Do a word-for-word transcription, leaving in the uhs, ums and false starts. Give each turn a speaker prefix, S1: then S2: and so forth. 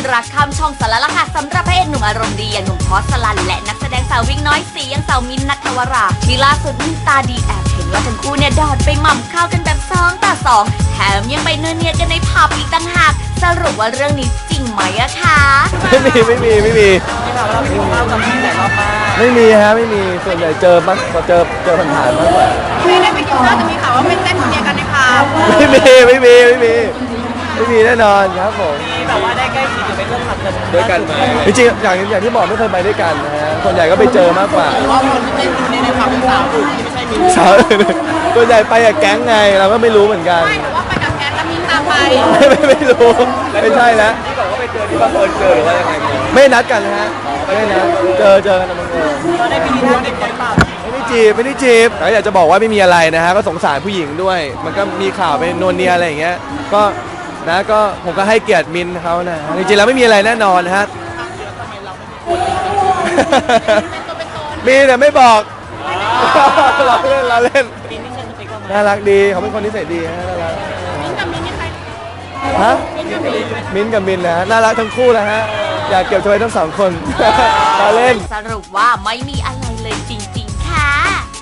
S1: รักข้ามช่องสารละค่ะสำหรับพระเอกหนุ่มอารมณ์ดีอย่างหนุ่มพอสลันและนักแสดงสาววิ่งน้อยสีอย่างสาวมินท์ณัฐวราที่ล่าสุดมีตาดีแอบเห็นว่าทั้งคู่เนี่ยดอดไปหม่ำข้าวกันแบบสองต่อสองแถมยังไปเนื้อเนียกันในผับอีกต่างหากสรุปว่าเรื่องนี้จริงไหมอะคะ
S2: ไม่มีไม่มีไม่มี
S3: ที่เราเราไปกินข้าวกับพี่หลายรอบมาก
S2: ไม่มีฮะไม่มีส่วนใหญ่เจอมากเจอเจอผ่านๆมากกว่า
S4: ไม่ได้ไปกินข้าวแต่มีข่าวว่าเป็นเต้นคนเดียวกันในพาร์ท
S2: ไม่มีไม่มีไม่มีไม่มีแน่นอนครับผม
S3: ที่แบบว่าได้ใกล้ชิดหรือไปเรื่องทำกัน
S2: ด้วยกันไหมจริงๆอย่างอย่างที่บอกไม่เคยไปด้วยกันนะฮะส่วนใหญ่ก็ไปเจอมากกว่า
S3: เพราะคนที่เต้นอยู่ในในความเป็นสาวอื่นที่ไม่ใช่มิว
S2: สาวส่วนใหญ่ไปกับแก๊งไงเราก็ไม่รู้เหมือนกัน
S4: ไม่หรือว่าไปกับแก๊งแล้วมีตามไป
S2: ไม่ไม่ไม่รู้ไม่ใช่แล้ว
S3: ที่บอกว่าไปเจอที่บังเอิญเจอหรือว่ายังไง
S2: ไม่นัดกันนะฮะไม่นัดเจอเจอกันนะมึงเออ
S3: เราได้ไปดีท่าเด็กคนเปล่า
S2: ไม่ได้จีบไม่ได้จีบแต่อยากจะบอกว่าไม่มีอะไรนะฮะก็สงสารผู้หญิงด้วย มันก็มีข่าวไปนวลเนียอะไรอย่างเงี้ยก็นะก็ผมก็ให้เกียรติมินเขานะจริงๆแล้วไม่มีอะไรแน่นอนนะฮะมีแต่ไม่บอกเราเล่นเราเล่น
S3: ปีนี้ใช่สเปคเราไหม
S2: น่ารักดีเขาเป็นคนนิสัยดีฮะน่ารัก
S4: มิ้นท์กับมินท์นี่ใคร
S2: ฮะมินกับมินนะฮะน่ารักทั้งคู่นะฮะอยากเก็บไว้ทั้งสองคนเราเล่น
S1: สรุปว่าไม่มีอะไรเลยจริง